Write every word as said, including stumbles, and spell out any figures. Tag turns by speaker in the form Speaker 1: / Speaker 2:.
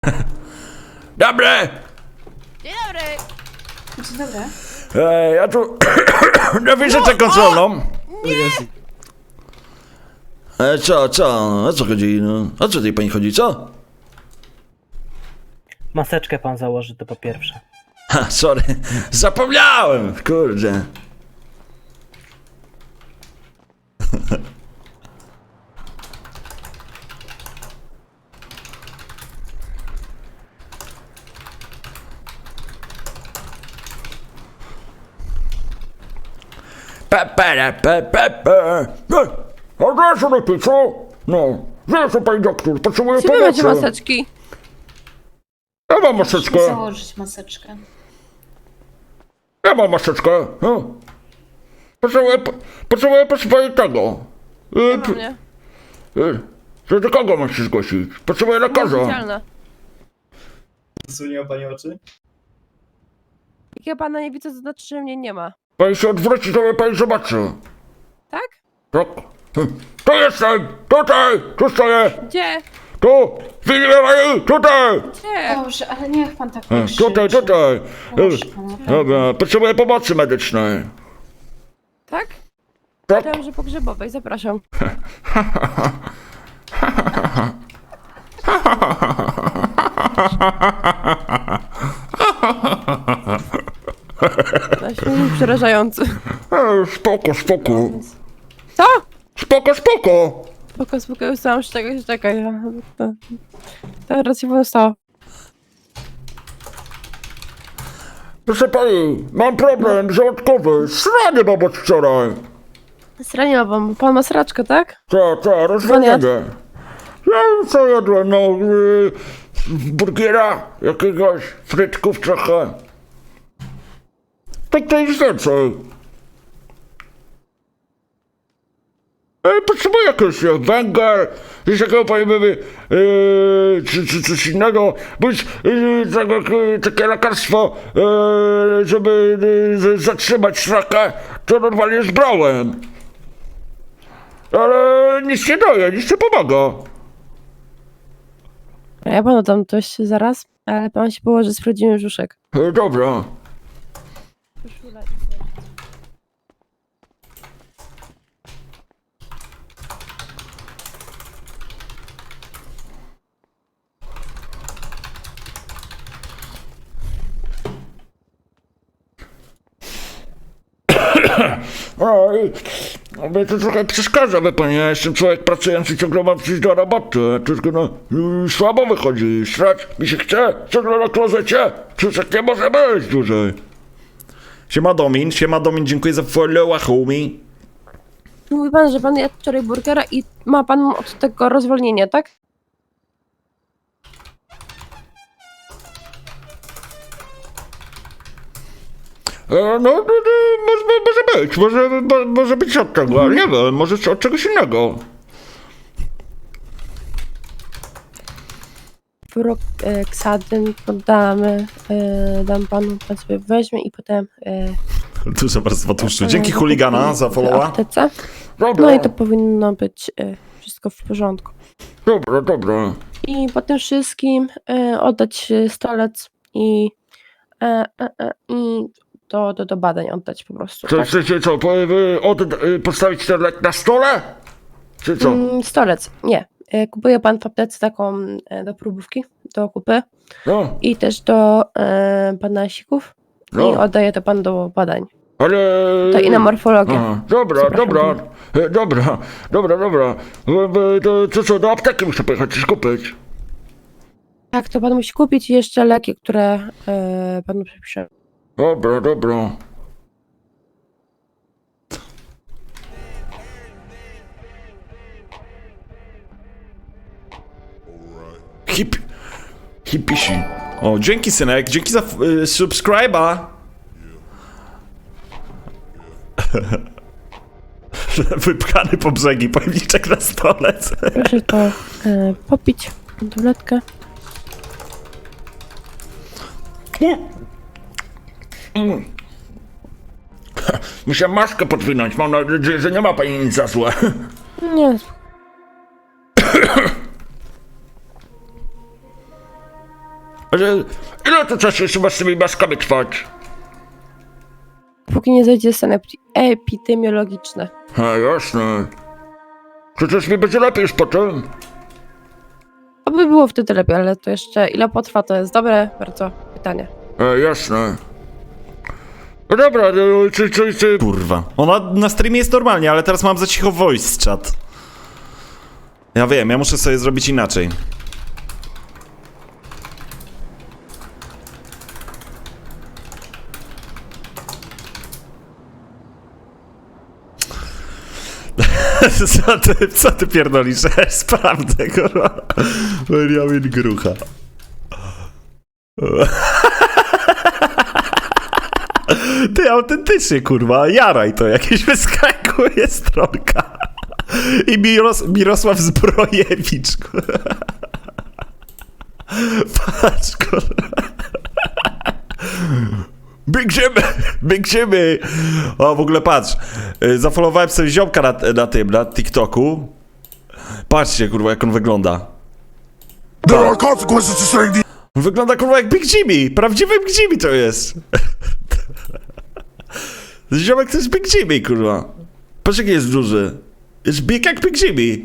Speaker 1: Dobry!
Speaker 2: Dzień dobry!
Speaker 3: Dzień dobry.
Speaker 1: Ej, ja tu na wizytę kontrolną. E, co, co? O co chodzi? No, o co tej pani chodzi, co?
Speaker 4: Maseczkę pan założy, to po pierwsze.
Speaker 1: Ha, sorry, zapomniałem, kurde. Pepe, pepe, pepe. No, a zaraz lepiej, co? No, zaraz pani doktor, potrzebuję
Speaker 2: Gdzie wy macie
Speaker 1: pomocy.
Speaker 2: maseczki?
Speaker 1: Ja mam maseczkę,
Speaker 3: Musimy założyć maseczkę.
Speaker 1: ja mam maseczkę, no. Potrzebuję, potrzebuję proszę pani tego.
Speaker 2: Nie
Speaker 1: E,
Speaker 2: ma mnie.
Speaker 1: e, że do kogo mam się zgłosić? Potrzebuję lekarza.
Speaker 2: Oficjalna.
Speaker 5: Zasłoniła pani oczy?
Speaker 2: Jak ja pana nie widzę, to znaczy, że mnie nie ma.
Speaker 1: Pani się odwróci, to mnie pani zobaczy.
Speaker 2: Tak?
Speaker 1: Tak? Hm. Tu jestem! Tutaj! Tu stoję!
Speaker 2: Gdzie?
Speaker 1: Tu! Widzimy pani! Tutaj!
Speaker 2: Gdzie?
Speaker 3: Dobrze, ale niech pan tak
Speaker 1: E,
Speaker 3: nie krzyczy.
Speaker 1: Tutaj, tutaj!
Speaker 3: Proszę
Speaker 1: E,
Speaker 3: pana.
Speaker 1: Dobra, potrzebuję pomocy medycznej.
Speaker 2: Tak?
Speaker 1: Tak?
Speaker 2: Myślałam, że pogrzebowej, zapraszam. Na śmiech przerażający.
Speaker 1: E, Spoko, spoko.
Speaker 2: Co?
Speaker 1: Spoko, spoko!
Speaker 2: Spoko, spoko, ustałam się czekaj, czekaj. To- Teraz się panu stało.
Speaker 1: Proszę pani, mam problem żołądkowy. Sranie mam od wczoraj.
Speaker 2: Zraniła wam. Pan ma sraczkę, tak?
Speaker 1: Co, co, rozwalenie. Ja co jadłem, no... Y, burgera jakiegoś, frytków trochę. Tak to jest więcej. E, potrzebuję jakoś e, węgiel, coś takiego powiemy, e, czy, czy coś innego, bądź e, tego, e, takie lekarstwo, e, żeby e, z- zatrzymać srakę, to normalnie zbrałem. Ale nic nie daje, nic nie pomaga.
Speaker 2: Ja panu dam coś zaraz, ale pan się położy z prawdziwym brzuszek.
Speaker 1: E, dobra. O, i- no, mnie to trochę przeszkadza, wie pani, ja jestem człowiek pracujący, ciągle mam przyjść do roboty, tylko no, y, słabo wychodzi, srać mi się chce, ciągle na klozecie, przecież tak nie może być dłużej. Siema Domin, siema Domin, dziękuję za followa, homie.
Speaker 2: Mówi pan, że pan jadł wczoraj burgera i ma pan od tego rozwolnienie, tak?
Speaker 1: E, no, no, no może, może być, może, mo, może być od tego, ale nie wiem, może od czegoś innego.
Speaker 2: Froksadyn poddamy, e, dam panu, pan sobie weźmie i potem e,
Speaker 6: Duża warstwa tłuszczu.
Speaker 2: e,
Speaker 6: Dzięki chuligana za
Speaker 2: w
Speaker 6: followa.
Speaker 2: aptece.
Speaker 1: Dobra,
Speaker 2: No i to powinno być e, wszystko w porządku.
Speaker 1: dobra, dobra.
Speaker 2: I po tym wszystkim e, oddać e, stolec i, e, e, e, i do, do, do badań oddać po prostu.
Speaker 1: Co,
Speaker 2: Tak?
Speaker 1: chcecie co, po, y, od, y, postawić ten lek na stole? Czy co?
Speaker 2: Mm, stolec, nie. E, Kupuje pan w aptece taką e, do próbówki, do kupy
Speaker 1: No,
Speaker 2: i też do e, panasików i
Speaker 1: no,
Speaker 2: oddaje to pan do badań.
Speaker 1: ale...
Speaker 2: To i na morfologię.
Speaker 1: Aha, dobra,
Speaker 2: Przepraszam
Speaker 1: dobra,
Speaker 2: pana.
Speaker 1: e, dobra, dobra, dobra. E, e, To, to co, do apteki muszę pojechać, coś kupić.
Speaker 2: Tak, to pan musi kupić i jeszcze leki, które e, panu przepiszę.
Speaker 1: Dobra, dobra.
Speaker 6: Hip... Hipisi. O, dzięki synek, dzięki za y, subskryba. Wypchany po brzegi, pojemniczek na stolec.
Speaker 2: Proszę to e, popić, tabletkę.
Speaker 1: Mm. Muszę maskę podwinąć, mam nadzieję, że nie ma pani nic za złe.
Speaker 2: Nie,
Speaker 1: Ale ile to czasu jeszcze masz z tymi maskami trwać?
Speaker 2: Póki nie zajdzie stan epi- epidemiologiczny.
Speaker 1: A, jasne. Przecież mi będzie lepiej już potem.
Speaker 2: Oby było wtedy lepiej, ale to jeszcze ile potrwa, to jest dobre bardzo pytanie.
Speaker 1: A, jasne. No dobra, no, czy, czy, czy...
Speaker 6: Kurwa. Ona na streamie jest normalnie, ale teraz mam za cicho voice chat. Ja wiem, ja muszę sobie zrobić inaczej. Co ty, co ty pierdolisz? Sprawdzę, kurwa. Benjamin Grucha. Ty, autentycznie, kurwa, jaraj to, jakieś wyskakuje stronka. I Miros, Mirosław Zbrojewicz, kurwa. Patrz, kurwa. Big Jimmy, Big Jimmy. O, w ogóle patrz, y, zafollowowałem sobie ziomka na, na tym, na TikToku. Patrzcie, kurwa, jak on wygląda.
Speaker 7: There are consequences to saying the
Speaker 6: Wygląda, kurwa, jak Big Jimmy. Prawdziwy Big Jimmy to jest. Ziomek to jest Big Jimmy, kurwa. Patrz, jaki jest duży. Jest big jak Big Jimmy.